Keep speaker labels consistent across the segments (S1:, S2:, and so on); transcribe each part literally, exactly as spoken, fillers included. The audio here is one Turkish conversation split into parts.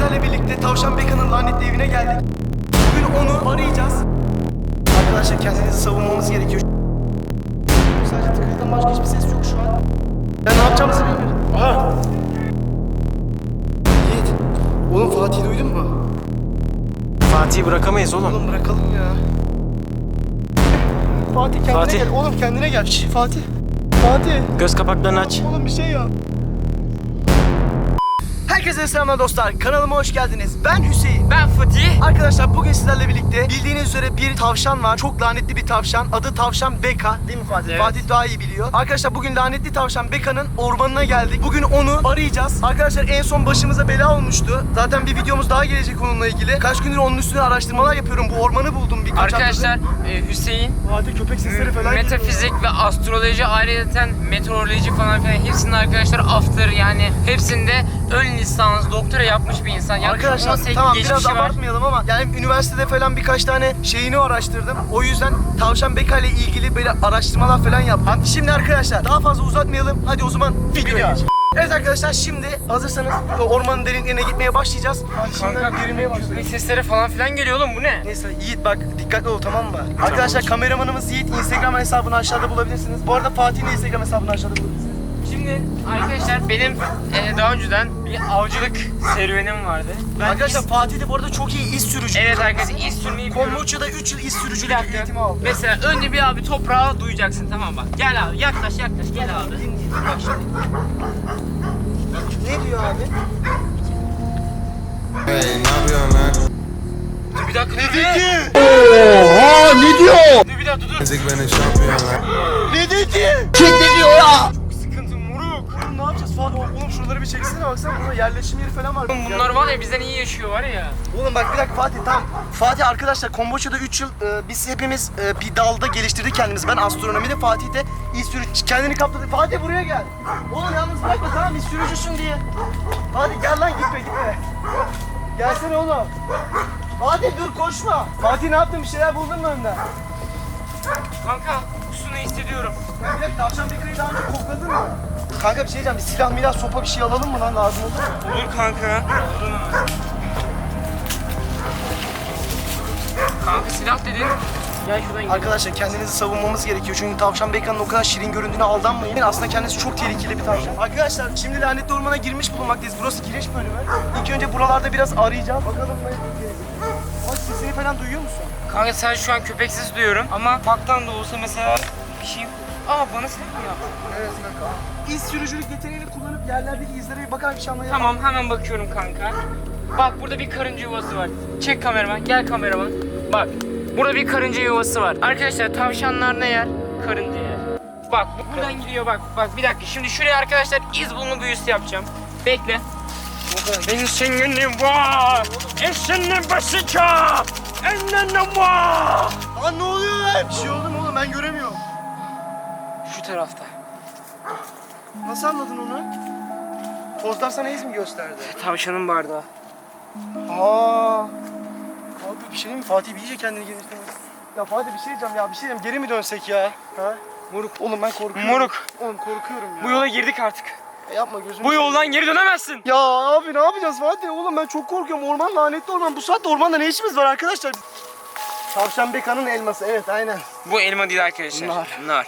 S1: sizlerle birlikte Tavşan Beka'nın lanetli evine geldik. Bugün onu arayacağız. Arkadaşlar kendinizi savunmamız gerekiyor. Sadece tıkırdan başka hiçbir ses yok şu an. Ben ne yapacağımızı bilmiyorum. Aha! Yiğit, oğlum Fatih'i duydun mu?
S2: Fatih'i bırakamayız oğlum.
S1: Oğlum bırakalım ya. Fatih kendine
S2: Fatih.
S1: gel. Oğlum kendine gel. Şş, Fatih. Fatih.
S2: Göz kapaklarını aç.
S1: Oğlum bir şey yap. Herkese selamlar dostlar. Kanalıma hoş geldiniz. Ben Hüseyin.
S3: Ben Fatih.
S1: Arkadaşlar bugün sizlerle birlikte bildiğiniz üzere bir tavşan var. Çok lanetli bir tavşan. Adı Tavşan Beka. Değil mi Fatih?
S3: Evet.
S1: Fatih daha iyi biliyor. Arkadaşlar bugün lanetli tavşan Beka'nın ormanına geldik. Bugün onu arayacağız. Arkadaşlar en son başımıza bela olmuştu. Zaten bir videomuz daha gelecek onunla ilgili. Kaç gündür onun üstüne araştırmalar yapıyorum. Bu ormanı buldum birkaç
S3: Arkadaşlar
S1: haftadır.
S3: e, Hüseyin
S1: Fatih köpek sesleri falan geliyor.
S3: metafizik ve astroloji, ayrıca meteoroloji falan filan hepsinde arkadaşlar after, yani hepsinde ön lisans doktora yapmış bir insan. Yaklaşık on
S1: Arkadaşlar
S3: sekiz
S1: tamam biraz
S3: geçmişi var.
S1: abartmayalım ama yani üniversitede falan birkaç tane şeyini araştırdım. O yüzden Tavşan Beka ile ilgili böyle araştırmalar falan yaptım. Şimdi arkadaşlar daha fazla uzatmayalım. Hadi o zaman videoya geçelim. Evet arkadaşlar şimdi hazırsanız ormanın derinliklerine gitmeye başlayacağız. Hadi şimdiden
S3: Kanka
S1: yürümeye başlayalım.
S3: köpek sesleri falan filan geliyor oğlum, bu ne?
S1: Neyse Yiğit bak dikkatli ol tamam mı? Arkadaşlar kameramanımız Yiğit, Instagram hesabını aşağıda bulabilirsiniz. Bu arada Fatih'in de Instagram hesabını aşağıda bulabilirsiniz.
S3: Şimdi arkadaşlar benim e, daha önceden bir avcılık serüvenim vardı. Ben
S1: Arkadaşlar
S3: iz-
S1: Fatih de bu arada çok iyi iz sürücü.
S3: Evet arkadaşlar, iz sürmeyi biliyorum.
S1: Kombuça'da üç yıl iz
S3: Bir
S1: sürücülük
S3: dakika.
S1: eğitimi aldı.
S3: Mesela önce bir abi toprağa duyacaksın, tamam bak. Gel abi, yaklaş yaklaş gel abi. Bak şimdi.
S1: Ne diyor abi?
S4: Hey, ne yapıyorsun lan?
S3: Dur bir dakika, dur.
S1: dedi?
S4: Oha, ne diyor?
S3: Dur bir dakika, dur.
S4: Müzik benim şampiyon lan.
S1: Ne dedi?
S4: Kim ne diyor ya?
S1: Çok sıkıntı moruk. Oğlum ne yapacağız falan? Oğlum şuraları bir çeksene baksana, burada yerleşim yeri falan var.
S3: Oğlum bunlar var ya, bizden iyi yaşıyor var ya.
S1: Oğlum bak bir dakika Fatih tamam. Fatih arkadaşlar Komboçya'da üç yıl e, biz hepimiz e, bir dalda geliştirdik kendimizi. Ben astronomide, Fatih de iz sürücü kendini kaptırdı. Fatih buraya gel. Oğlum yalnız bırakma tamam, iz sürücüsün diye. Fatih gel lan, gitme gitme. Gelsene oğlum. Fatih dur koşma. Fatih ne yaptın, bir şeyler buldun mu önden?
S3: Kanka kusunu hissediyorum.
S1: Bir dakika tavşan Beka'yı daha önce kokladın mı? Kanka bir şey diyeceğim, bir silah milah sopa bir şey alalım mı lan, lazım olur mu?
S3: Olur kanka. Kanka silah dedin. Gel şuradan gidelim.
S1: Arkadaşlar kendinizi savunmamız gerekiyor çünkü Tavşan Beka'nın o kadar şirin göründüğüne aldanmayın. Aslında kendisi çok tehlikeli bir tavşan. Arkadaşlar şimdi lanetli ormana girmiş bulunmaktayız. Burası giriş bölümü. İlk önce buralarda biraz arayacağız. Bakalım ne gelecek. Bak sesini falan duyuyor musun?
S3: Kanka sen şu an köpek sesi duyuyorum ama baktan da olsa mesela bir şey... Aa bana silah mı yaptın?
S1: Evet kanka. İz sürücülük yeteneğini kullanıp yerlerdeki izlere bir bakar bir şey anlayalım.
S3: Tamam hemen bakıyorum kanka. Bak burada bir karınca yuvası var. Çek kameraman, gel kameraman. Bak burada bir karınca yuvası var. Arkadaşlar tavşanlar ne yer? Karınca yer. Bak bu buradan gidiyor bak. Bak bir dakika, şimdi şuraya arkadaşlar iz bulma büyüsü yapacağım. Bekle. Ben senin var. Eşinin başıca. Ennene var.
S1: Lan ne oluyor lan? Bir şey oldu mu oğlum, ben göremiyorum.
S3: Şu tarafta.
S1: Nasıl anladın onu? Tozlar sana iz mi gösterdi?
S3: Tavşanın bardağı.
S1: Aa. Abi bir şey diyeyim mi? Fatih bir iyice kendini geliştirmiş. Ya Fatih bir şey diyeceğim ya, bir şey diyeceğim. Geri mi dönsek ya? Ha?
S3: Moruk.
S1: Oğlum ben korkuyorum.
S3: Moruk.
S1: Oğlum korkuyorum ya.
S3: Bu yola girdik artık.
S1: E yapma gözünü.
S3: Bu yoldan geri dönemezsin.
S1: Ya abi ne yapacağız Fatih? Oğlum ben çok korkuyorum. Orman lanetli orman. Bu saatte ormanda ne işimiz var arkadaşlar? Tavşan Beka'nın elması. Evet aynen.
S3: Bu elma değil arkadaşlar.
S1: Nar.
S3: Nar.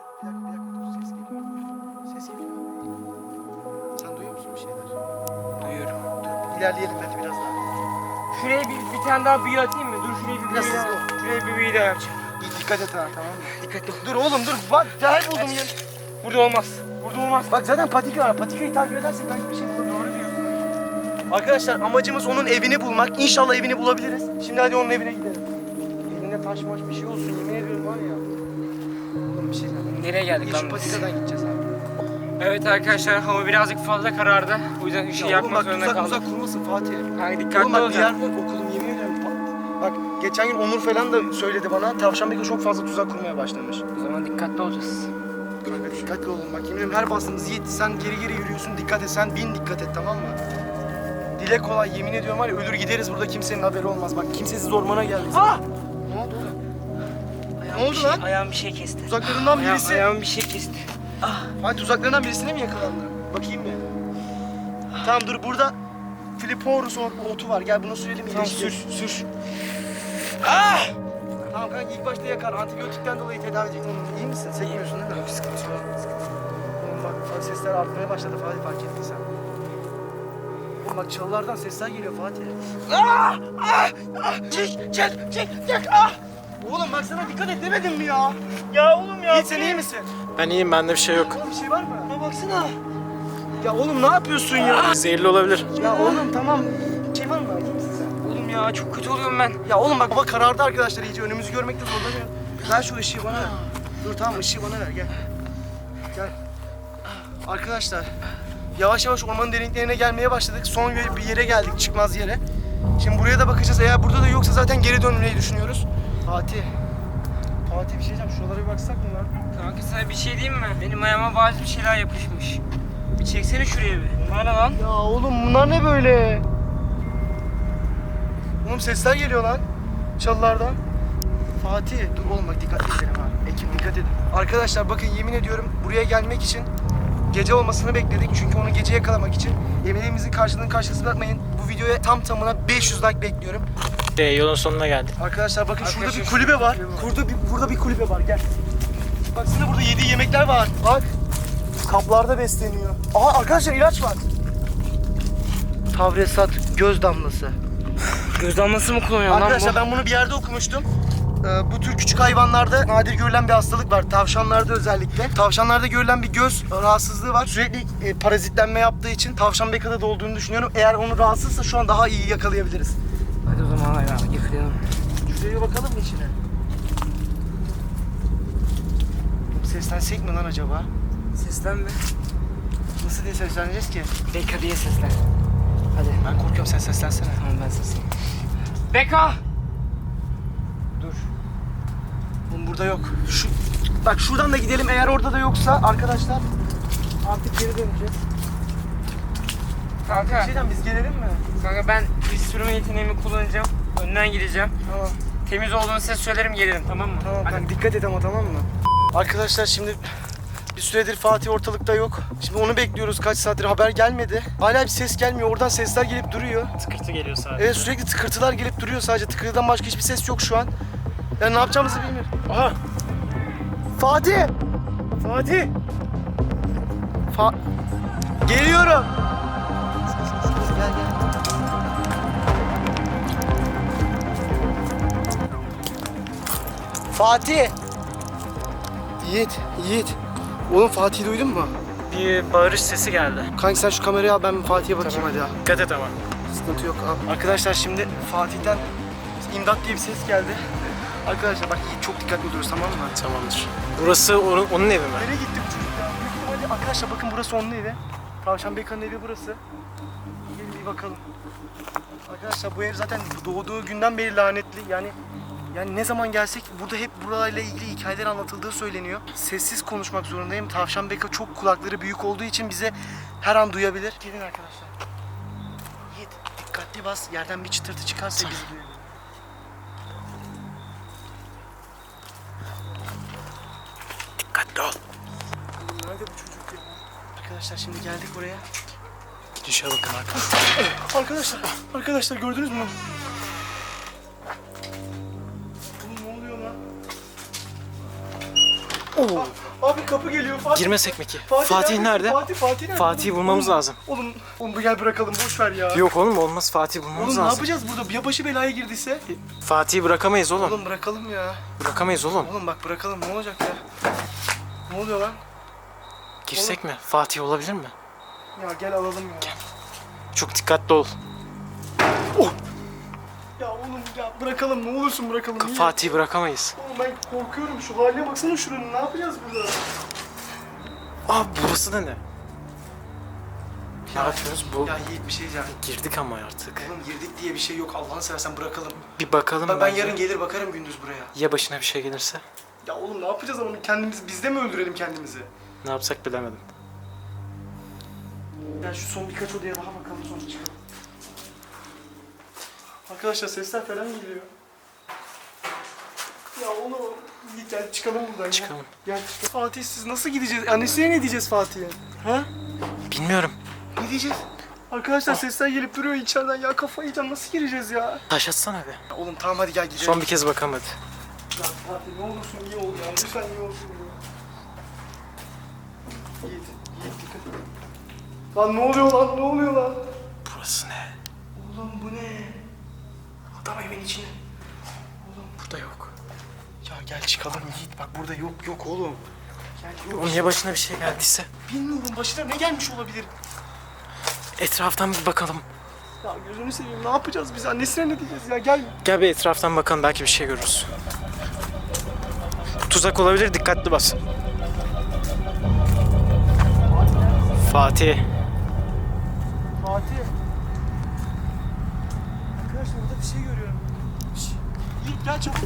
S1: Ses geliyor. Sen duyuyor musun bir şeyler?
S3: Duyuyorum.
S1: Dur ilerleyelim hadi biraz daha.
S3: Şuraya bir, bir tane daha büyü atayım mı? Dur şuraya bir büyü
S1: Biraz
S3: daha.
S1: hızlı ol.
S3: Şuraya bir büyü daha yapacağım.
S1: İyi, dikkat et ha, tamam mı?
S3: Dikkatli ol.
S1: Dur oğlum dur. Bak cahil buldum ya.
S3: Burada olmaz. Burada olmaz.
S1: Bak zaten patika var. Patikayı takip edersek belki bir şey bulur. Doğru diyorsun. Arkadaşlar amacımız onun evini bulmak. İnşallah evini bulabiliriz. Şimdi hadi onun evine gidelim. Elinde taş maş bir şey olsun, yemin ediyorum var ya. Oğlum bir şey diyeceğim.
S3: Nereye geldik
S1: Şu
S3: lan biz?
S1: patikadan gideceğiz abi.
S3: Evet arkadaşlar, hava birazcık fazla karardı. O yüzden ışığı
S1: Ya oğlum
S3: yakmak
S1: bak
S3: zorunda
S1: tuzak
S3: kaldım.
S1: uzak kurmasın Fatih.
S3: Kanka
S1: Oğlum
S3: dikkatli
S1: bak bir
S3: olacaksın.
S1: yer var okulum, yemin ediyorum. Bak geçen gün Onur falan da söyledi bana. Tavşan Beka çok fazla tuzak kurmaya başlamış.
S3: O zaman dikkatli olacağız.
S1: Kanka dikkatli olun bak, yemin ediyorum her bastığımız Yiğit sen geri geri yürüyorsun, dikkat et, sen bin dikkat et tamam mı? Dile kolay, yemin ediyorum var ya, ölür gideriz burada, kimsenin haberi olmaz. Bak kimsesiz ormana geldik. Ah! Ne oldu oğlum? Ne oldu
S3: Bir şey-
S1: lan?
S3: Ayağım bir şey kesti.
S1: Tuzaklarından
S3: Ayağım,
S1: birisi.
S3: ayağım bir şey kesti.
S1: Ay tuzaklarından birisine mi yakalandı? Bakayım bir. Tamam dur burada Liporus otu var. Gel bunu sürelim.
S3: Tamam,
S1: iyileşecek.
S3: sür sür.
S1: Tamam kanka ilk başta yakar. Antibiyotikten dolayı tedavi edecek. Oğlum iyi misin? Sekmiyorsun değil mi? Yok sıkıntı yok. Oğlum bak sesler artmaya başladı Fatih, fark ettin sen. Oğlum bak çalılardan sesler geliyor Fatih. Ah! Ah! Ah! Çek! Çek! Çek! Çek! Ah! Oğlum bak sana dikkat et demedim mi ya?
S3: Ya oğlum ya.
S1: Yiğit sen iyi misin?
S2: Ben iyiyim, bende bir şey yok.
S1: Oğlum bir şey var mı? Ya baksana. Ya oğlum ne yapıyorsun ya?
S2: Zehirli olabilir.
S1: Ya oğlum tamam. Bir şey var mı? İyi misin sen?
S3: Oğlum ya çok kötü oluyorum ben.
S1: Ya oğlum bak hava karardı arkadaşlar iyice. Önümüzü görmekte zorlanıyor. Ver şu ışığı bana ver. Dur tamam ışığı bana ver gel. Gel. Arkadaşlar yavaş yavaş ormanın derinliklerine gelmeye başladık. Son bir yere geldik, çıkmaz yere. Şimdi buraya da bakacağız. Eğer burada da yoksa zaten geri dönmeyi düşünüyoruz. Fatih. Fatih bir şey diyeceğim. Şuralara bir baksak mı lan?
S3: Kanka sana bir şey diyeyim mi? Benim ayağıma bazı bir şeyler yapışmış. Bir çeksene şuraya bir. Bunlar ne lan?
S1: Ya oğlum bunlar ne böyle? Oğlum sesler geliyor lan çalılardan. Fatih dur oğlum bak dikkatli edelim ha. Ekip dikkat edin. Arkadaşlar bakın yemin ediyorum buraya gelmek için gece olmasını bekledik. Çünkü onu gece yakalamak için emeğimizin karşılığını karşılıksız bırakmayın. Bu videoya tam tamına beş yüz like bekliyorum.
S2: Şey, yolun sonuna geldik.
S1: Arkadaşlar bakın şurada bir
S3: Arkadaşlar,
S1: kulübe var.
S3: kulübe var.
S1: Burada bir burada bir kulübe var gel. Baksana burada yediği yemekler var. Bak. Kaplarda besleniyor. Aha arkadaşlar ilaç var. Tavresat göz damlası.
S3: Göz damlası mı kullanıyor lan
S1: Arkadaşlar
S3: bu?
S1: ben bunu bir yerde okumuştum. Ee, bu tür küçük hayvanlarda nadir görülen bir hastalık var. Tavşanlarda özellikle. Tavşanlarda görülen bir göz rahatsızlığı var. Sürekli e, parazitlenme yaptığı için tavşan bekada da olduğunu düşünüyorum. Eğer onu rahatsızsa şu an daha iyi yakalayabiliriz.
S3: Hadi o zaman ya yıkayalım.
S1: Şuraya bir bakalım mı içine? Seslensek mi lan acaba?
S3: Seslenme.
S1: Nasıl diye sesleneceğiz ki?
S3: Beka diye seslen. Hadi.
S1: Ben korkuyorum, sen seslensene.
S3: Tamam ben sesleneyim. Beka!
S1: Dur. Oğlum burada yok. Şu, bak şuradan da gidelim. Eğer orada da yoksa arkadaşlar artık geri döneceğiz.
S3: Kanka.
S1: Bir şeyden biz gelelim mi?
S3: Kanka ben bir sürme yeteneğimi kullanacağım. Önden gideceğim.
S1: Tamam.
S3: Temiz olduğunu size söylerim gelirim tamam mı?
S1: Tamam
S3: Hadi.
S1: kanka dikkat et ama tamam mı? Arkadaşlar şimdi bir süredir Fatih ortalıkta yok. Şimdi onu bekliyoruz, kaç saattir haber gelmedi. Hala bir ses gelmiyor. Oradan sesler gelip duruyor.
S2: Tıkırtı geliyor sadece.
S1: Evet sürekli tıkırtılar gelip duruyor sadece. Tıkırtıdan başka hiçbir ses yok şu an. Yani ne yapacağımızı bilmiyorum. Aha! Fatih! Fatih! Fa... Geliyorum! Gel gel. Fatih! Yiğit, Yiğit. Oğlum Fatih'i duydun mu?
S2: Bir bağırış sesi geldi.
S1: Kanka sen şu kamerayı al, ben Fatih'e bakayım hadi ya.
S2: Dikkat et ama.
S1: Sıkıntı yok abi. Arkadaşlar şimdi Fatih'ten imdat diye bir ses geldi. Arkadaşlar bak Yiğit çok dikkatli oluyoruz tamam mı?
S2: Tamamdır. Burası onun, onun evi mi?
S1: Nereye gitti bu çocuk ya? Büyük ihtimalle- Arkadaşlar bakın burası onun evi. Tavşan Beka'nın evi burası. Gelin bir bakalım. Arkadaşlar bu ev zaten doğduğu günden beri lanetli. Yani yani ne zaman gelsek burada hep burayla ilgili hikayeler anlatıldığı söyleniyor. Sessiz konuşmak zorundayım. Tavşan Beka çok kulakları büyük olduğu için bize her an duyabilir. Gelin arkadaşlar. Yiğit dikkatli bas. Yerden bir çıtırtı çıkarsa bizi duyabilir.
S2: Dikkatli ol.
S1: Nerede bu çocuk ya? Arkadaşlar şimdi geldik buraya.
S2: Gidişe bakın arkadaşlar.
S1: Arkadaşlar, arkadaşlar gördünüz mü? Oğlum ne oluyor lan?
S2: Oo.
S1: Abi kapı geliyor Fatih.
S2: Girmesek mi ki? Fatih, nerede?
S1: Fatih, Fatih nerede?
S2: Fatih'i bulmamız
S1: Oğlum,
S2: lazım.
S1: Oğlum, oğlum gel bırakalım boş ver ya.
S2: Yok oğlum olmaz, Fatih'i bulmamız
S1: Oğlum ne
S2: lazım.
S1: yapacağız burada? Ya başı belaya girdiyse?
S2: Fatih'i bırakamayız oğlum.
S1: Oğlum bırakalım ya.
S2: Bırakamayız oğlum.
S1: Oğlum bak bırakalım ne olacak ya? Ne oluyor lan?
S2: Girsek mi? Fatih olabilir mi?
S1: Ya gel alalım ya.
S2: Çok dikkatli ol.
S1: Ya oğlum ya bırakalım ne olursun bırakalım. Niye?
S2: Fatih'i bırakamayız.
S1: Oğlum ben korkuyorum şu haline baksana şuranın ne yapacağız burada?
S2: Aa burası da ne? Ne yapıyoruz? Bu
S1: Ya Yiğit bir şey diyeceğim.
S2: girdik ama artık.
S1: Oğlum girdik diye bir şey yok Allah'ını seversen bırakalım.
S2: Bir bakalım
S1: Ben, ben
S2: bence.
S1: yarın gelir bakarım gündüz buraya.
S2: Ya başına bir şey gelirse?
S1: Ya oğlum ne yapacağız ama kendimiz bizde mi öldürelim kendimizi?
S2: Ne yapsak bilemedim.
S1: Ya şu son birkaç odaya daha bakalım sonra çıkalım. Arkadaşlar sesler falan geliyor. Ya oğlum Yiğit gel çıkalım buradan
S2: Çıkalım.
S1: ya. Gel çıkalım. Fatih siz nasıl gideceğiz? Annesine ne diyeceğiz Fatih'e? Ha?
S2: Bilmiyorum.
S1: Ne diyeceğiz? Arkadaşlar sesler gelip duruyor içeriden ya, kafayı yiyeceğim, nasıl gireceğiz ya?
S2: Taş atsana be.
S1: Oğlum tamam hadi gel gidelim.
S2: Son bir kez bakalım hadi.
S1: Ya Fatih ne olursun iyi ol ya, lütfen iyi olsun ya. Yiğit, Yiğit dikkat et. Lan ne oluyor lan, ne oluyor lan?
S2: Burası ne?
S1: Oğlum bu ne? Adam evin içine. Oğlum
S2: Burada yok.
S1: ya gel çıkalım Yiğit, bak burada yok yok oğlum. Gel yok.
S2: Oğlum ya başına bir şey geldiyse?
S1: Bilmiyorum başına ne gelmiş olabilir.
S2: Etraftan bir bakalım.
S1: Ya gözünü seveyim, ne yapacağız biz? Annesine ne diyeceğiz ya, gel.
S2: Gel bir etraftan bakalım, belki bir şey görürüz. Tuzak olabilir, dikkatli bas. Fatih.
S1: Fatih. Arkadaşlar burada bir şey görüyorum. Şşş. Yiğit gel çabuk.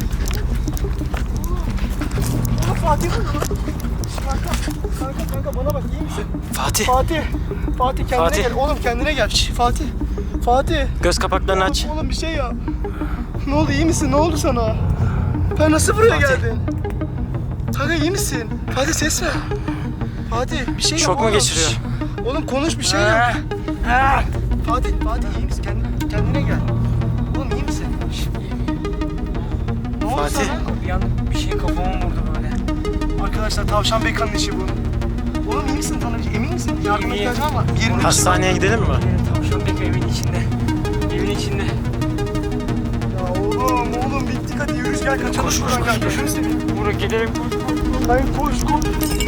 S1: Oğlum Fatih burada lan. Şşş, Kanka, kanka, kanka bana bak, iyi misin?
S2: Fatih.
S1: Fatih. Fatih kendine
S2: Fatih.
S1: gel. Oğlum kendine gel. Şşş, Fatih. Fatih.
S2: Göz kapaklarını aç.
S1: Oğlum bir şey ya. Ne oldu, iyi misin? Ne oldu sana? Ben nasıl buraya
S2: Fatih.
S1: geldin? Kanka iyi misin? Fatih ses ver. Fatih bir şey yap
S2: Şok mu
S1: oğlum.
S2: geçiriyor?
S1: Şşş. Oğlum konuş, bir şey yap. Fatih, Fatih iyi misin? Kendine, kendine gel. Oğlum iyi misin? Şşş, iyi, iyi. Ne oldu
S2: Fatih.
S1: sana?
S3: Bir anda bir şey kafama vurdu böyle.
S1: Arkadaşlar Tavşan Bekan'ın işi bu. Oğlum iyi misin Tanrıcı? Emin misin? Yardıma
S3: İyiyim.
S1: ihtiyacın var mı? Bir yerinde
S2: Hastaneye gidelim mi?
S3: Tavşan bek evin içinde. Evin içinde.
S1: Ya oğlum, oğlum bittik, hadi yürü gel kaçalım.
S2: Koş, koş,
S1: şuradan,
S2: koş,
S1: gel.
S2: koş.
S1: Gözünü seveyim.
S3: Buraya gidelim.
S1: Hayır koş koş.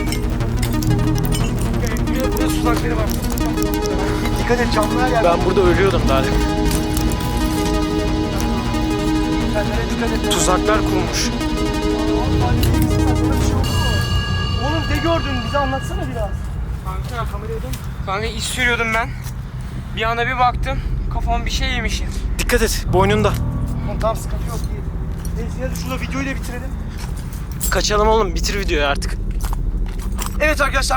S1: Buraya buraya tuzakları var. Dikkat et, camlar yer.
S2: Ben burada ölüyordum daha demin.
S1: Kendine dikkat et.
S2: Tuzaklar kurmuş.
S1: Oğlum ne gördün? Bize anlatsana biraz.
S3: Kanka kameraya dön. Kanka iş sürüyordum ben. Bir anda bir baktım. Kafam bir şey yemişim.
S2: Dikkat et, boynunda.
S1: Oğlum tamam, sıkıntı yok değil. Neyse hadi şurada videoyu da bitirelim.
S2: Kaçalım oğlum, bitir videoyu artık.
S1: Evet arkadaşlar.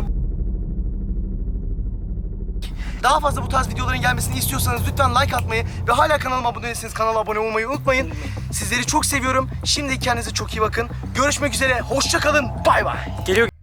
S1: Daha fazla bu tarz videoların gelmesini istiyorsanız lütfen like atmayı ve hala kanalıma abone değilseniz kanala abone olmayı unutmayın. Sizleri çok seviyorum. Şimdi kendinize çok iyi bakın. Görüşmek üzere. Hoşça kalın. Bay bay.
S2: Geliyor.